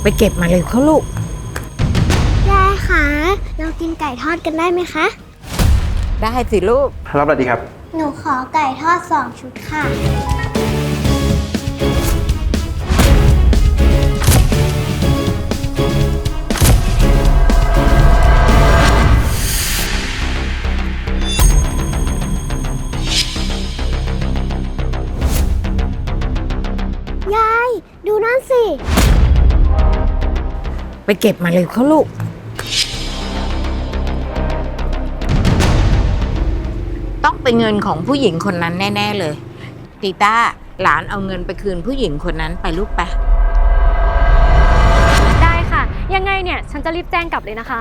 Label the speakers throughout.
Speaker 1: ไปเก็บมาเลยเขาลูก
Speaker 2: ยายคะเรากินไก่ทอดกันได้ไหมคะ
Speaker 1: ได้สิลูก
Speaker 3: รับอะไรดีครับ
Speaker 2: หนูขอไก่ทอด2 ชุดค่ะยายดูนั่นสิ
Speaker 1: ไปเก็บมาเลยเขาลูกต้องเป็นเงินของผู้หญิงคนนั้นแน่ๆเลยตีต้าหลานเอาเงินไปคืนผู้หญิงคนนั้นไปลูกไป
Speaker 4: ได้ค่ะยังไงเนี่ยฉันจะรีบแจ้งกลับเลยนะคะ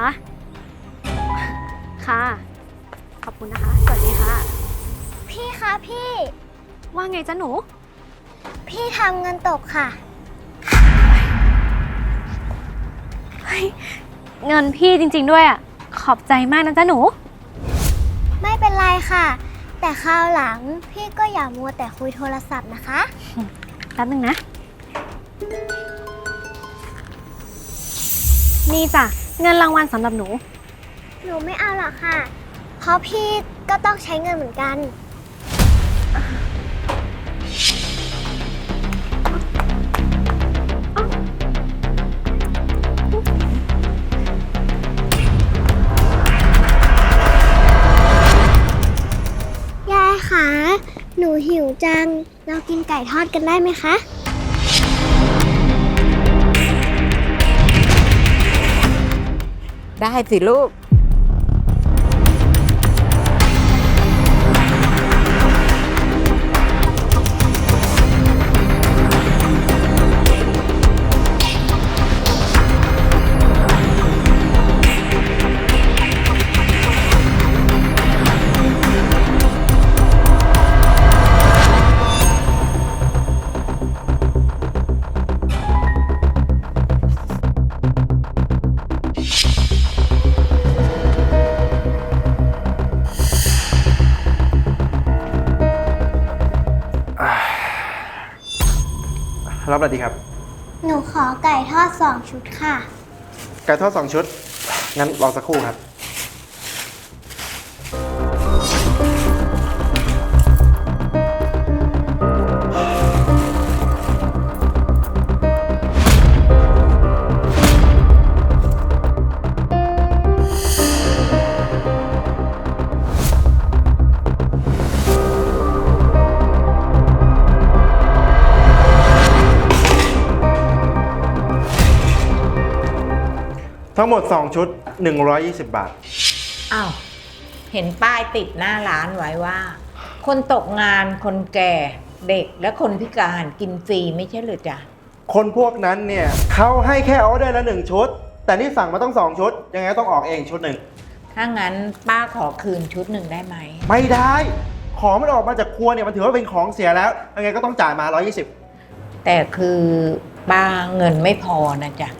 Speaker 4: ค่ะขอบคุณนะคะสวัสดีค่ะ
Speaker 2: พี่คะพี่
Speaker 4: ว่าไงจ๊ะหนู
Speaker 2: พี่ทำเงินตกค่ะ
Speaker 4: เงินพี่จริงๆด้วยอ่ะขอบใจมากนะจ๊ะหนู
Speaker 2: ไม่เป็นไรค่ะแต่คราวหลังพี่ก็อย่ามัวแต่คุยโทรศัพท์นะคะ
Speaker 4: แป๊บนึงนะนี่จ้ะเงินรางวัลสำหรับหนู
Speaker 2: ไม่เอาหรอกค่ะเพราะพี่ก็ต้องใช้เงินเหมือนกันยายคะหนูหิวจังเรากินไก่ทอดกันได้ไหมคะ
Speaker 1: ได้สิลูก
Speaker 3: รับอะไรดีครับ
Speaker 2: หนูขอไก่ทอด2 ชุดค่ะ
Speaker 3: ไก่ทอด2 ชุดงั้นรอสักครู่ครับทั้งหมด2 ชุด120 บาท
Speaker 1: อ้าวเห็นป้ายติดหน้าร้านไว้ว่าคนตกงานคนแก่เด็กและคนพิการกินฟรีไม่ใช่เหรือจ๊ะ
Speaker 3: คนพวกนั้นเนี่ยเขาให้แค่ออเดอร์ละ1 ชุดแต่นี่สั่งมาต้อง2 ชุดยังไงต้องออกเองชุดหนึ่ง
Speaker 1: ถ้างั้นป้าขอคืนชุดหนึ่งได้ไหม
Speaker 3: ไม่ได้ของมันออกมาจากครัวเนี่ยมันถือว่าเป็นของเสียแล้วยังไงก็ต้องจ่ายมา120
Speaker 1: แต่คือป้าเงินไม่พอนะจ๊ะ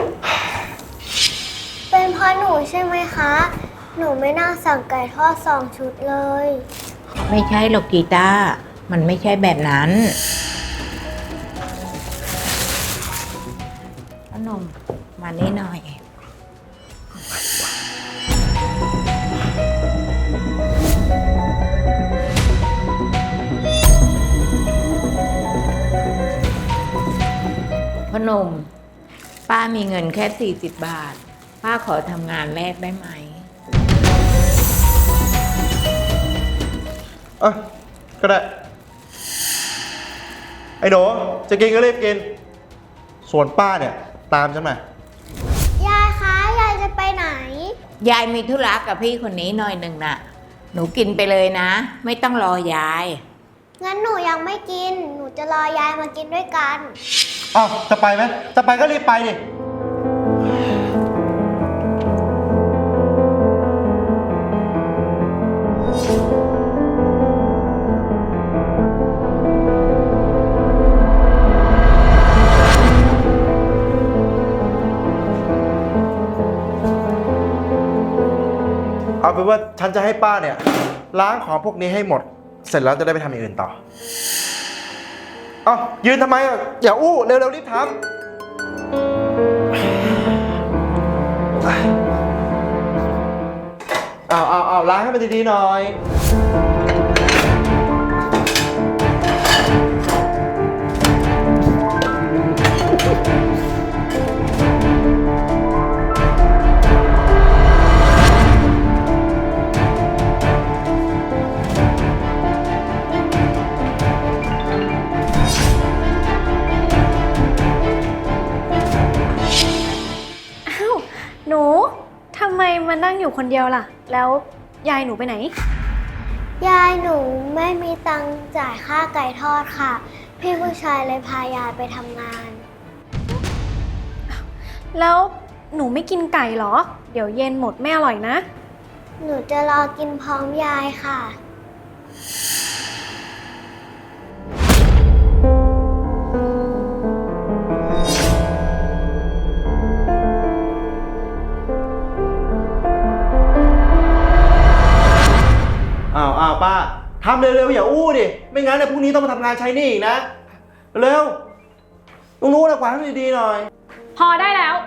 Speaker 2: เป็นเพราะหนูใช่ไหมคะหนูไม่น่าสั่งไก่ทอด2 ชุดเลย
Speaker 1: ไม่ใช่หรอกกีตาร์มันไม่ใช่แบบนั้นขนมมานี่หน่อยพนมป้ามีเงินแค่40 บาทป้าขอทำงานแรกได้ไหม
Speaker 3: ก็ได้ไอ้หนูจะกินก็รีบกินส่วนป้าเนี่ยตามฉันมาย
Speaker 2: ายคะยายจะไปไหน
Speaker 1: ยายมีธุระกับพี่คนนี้หน่อยหนึ่งน่ะหนูกินไปเลยนะไม่ต้องรอยาย
Speaker 2: งั้นหนูยังไม่กินหนูจะรอยายมากินด้วยกัน
Speaker 3: อ้าวจะไปไหมจะไปก็รีบไปดิเอาเป็นว่าฉันจะให้ป้าเนี่ยล้างของพวกนี้ให้หมดเสร็จแล้วจะได้ไปทำอย่างอื่นต่อยืนทำไมอ่ะอย่าอู้เร็วๆรีบทำเอาล้างให้มันดีๆหน่อย
Speaker 4: อ้าว หนูทำไมมานั่งอยู่คนเดียวล่ะ แล้วยายหนูไปไหน
Speaker 2: ยายหนูไม่มีตังค์จ่ายค่าไก่ทอดค่ะ พี่ผู้ชายเลยพายายไปทำงาน
Speaker 4: แล้วหนูไม่กินไก่เหรอ เดี๋ยวเย็นหมดไม่อร่อยนะ
Speaker 2: หนูจะรอกินพร้อมยายค่ะ
Speaker 3: อ้าวป้าทำเร็วๆอย่าอู้ดิ ไม่งั้นเนี่ยพรุ่งนี้ต้องมาทำงานใช้หนี่อีกนะ เร็วต้องรู้นะกวาดให้ดีๆหน่อย
Speaker 4: พอได้แล้ว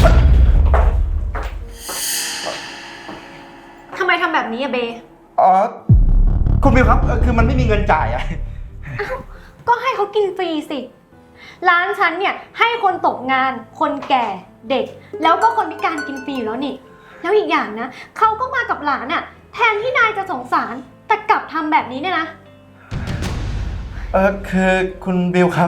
Speaker 4: ทำไมทำแบบนี้อะเบ
Speaker 3: อ๋อ คุณบิวครับ คือมันไม่มีเงินจ่ายอะ
Speaker 4: ก็ให้เขากินฟรีสิ ร้านฉันเนี่ยให้คนตกงาน คนแก่ เด็ก แล้วก็คนพิการกินฟรีอยู่แล้วนี่ แล้วอีกอย่างนะ เขาก็มากับหลานอะแทนที่นายจะสงสาร แต่กลับทำแบบนี้เนี่ยนะ
Speaker 3: คือคุณบิวครับ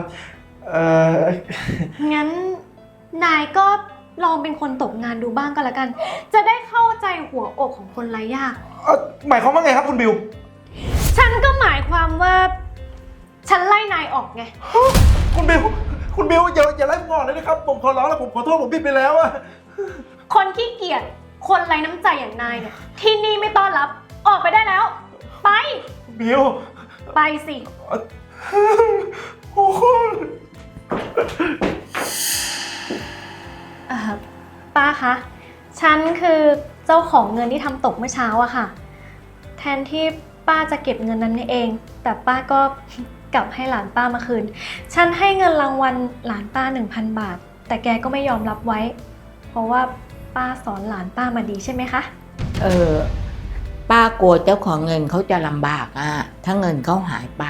Speaker 4: งั้นนายก็ลองเป็นคนตกงานดูบ้างก็แล้วกัน จะได้เข้าใจหัวอกของคนไร้ญาติ
Speaker 3: หมายความว่าไงครับคุณบิว
Speaker 4: ฉันก็หมายความว่า ฉันไล่นายออกไง
Speaker 3: คุณบิวอย่าไล่ผมออกเลยนะครับ ผมขอร้องแล้วผมขอโทษผมผิดไปแล้วอะ
Speaker 4: คนขี้เกียจ คนไร้น้ำใจอย่างนายเนี่ย ที่นี่ไม่ต้อนรับ ออกไปได้แล้ว ไป
Speaker 3: บิว
Speaker 4: ไปสิ
Speaker 3: โอ้โห
Speaker 4: ป้าคะ ฉันคือเจ้าของเงินที่ทำตกเมื่อเช้าอะค่ะ แทนที่ป้าจะเก็บเงินนั้นเอง แต่ป้าก็ กลับให้หลานป้ามาคืน ฉันให้เงินรางวัลหลานป้า 1,000 บาท แต่แกก็ไม่ยอมรับไว้ เพราะว่าป้าสอนหลานป้ามาดีใช่ไหมคะ
Speaker 1: ป้ากลัวเจ้าของเงินเขาจะลำบากถ้าเงินเขาหายไป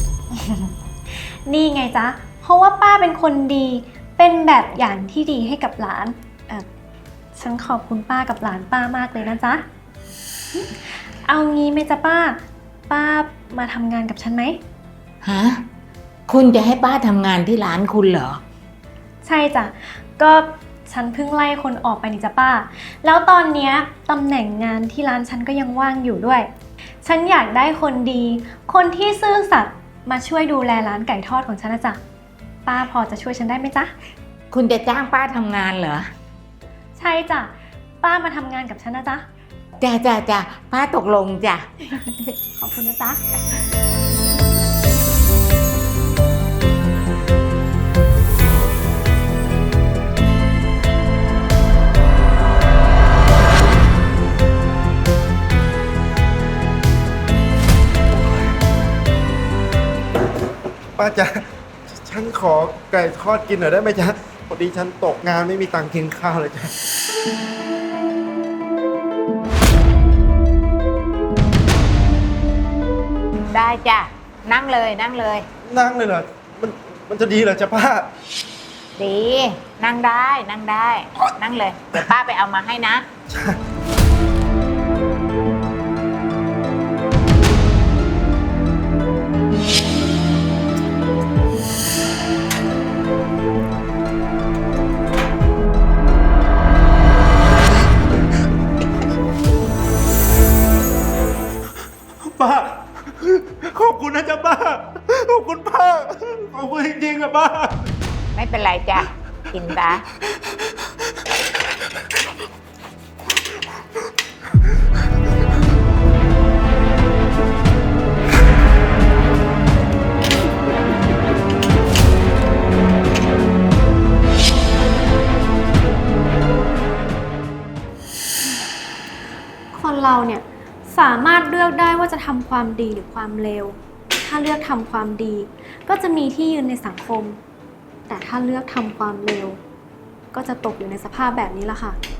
Speaker 4: นี่ไงจ๊ะ เพราะว่าป้าเป็นคนดี เป็นแบบอย่างที่ดีให้กับหลาน ฉันขอบคุณป้ากับหลานป้ามากเลยนะจ๊ะ เอางี้ไหมจ๊ะป้า ป้ามาทำงานกับฉันไหม
Speaker 1: ฮะ คุณจะให้ป้าทำงานที่ร้านคุณเหรอ
Speaker 4: ใช่จ้ะ ก็ฉันเพิ่งไล่คนออกไปนี่จ้ะป้า แล้วตอนเนี้ยตำแหน่งงานที่ร้านฉันก็ยังว่างอยู่ด้วย ฉันอยากได้คนดี คนที่ซื่อสัตย์มาช่วยดูแลร้านไก่ทอดของฉันนะจ๊ะ ป้าพอจะช่วยฉันได้ไหมจ๊ะ
Speaker 1: คุณจะจ้างป้าทำงานเหรอ
Speaker 4: ใช่จ้ะ ป้ามาทำงานกับฉันนะจ๊ะ
Speaker 1: จ้ะป้าตกลงจ้ะ
Speaker 4: ขอบคุณนะจ๊ะ
Speaker 3: ป้าจ๊ะฉันขอไก่ทอดกินหน่อยได้ไหมจ๊ะพอดีฉันตกงานไม่มีตังค์กินข้าวเลยจ๊ะ
Speaker 1: ได้จ้ะ นั่งเลยนั่งเลย
Speaker 3: นั่งเลยเหรอ มันจะดีเหรอจ๊ะป้า
Speaker 1: ดี นั่งได้นั่งได้ นั่งเลย เดี๋ยวป้าไปเอามาให้นะ
Speaker 3: ป้า ขอบคุณนะจ๊ะป้า ขอบคุณป้า ขอบคุณจริงๆอะป้า
Speaker 1: ไม่เป็นไรจ้ะ กินซะ
Speaker 4: คนเราเนี่ยสามารถเลือกได้ว่าจะทำความดีหรือความเลว ถ้าเลือกทำความดี ก็จะมีที่ยืนในสังคม แต่ถ้าเลือกทำความเลว ก็จะตกอยู่ในสภาพแบบนี้ละค่ะ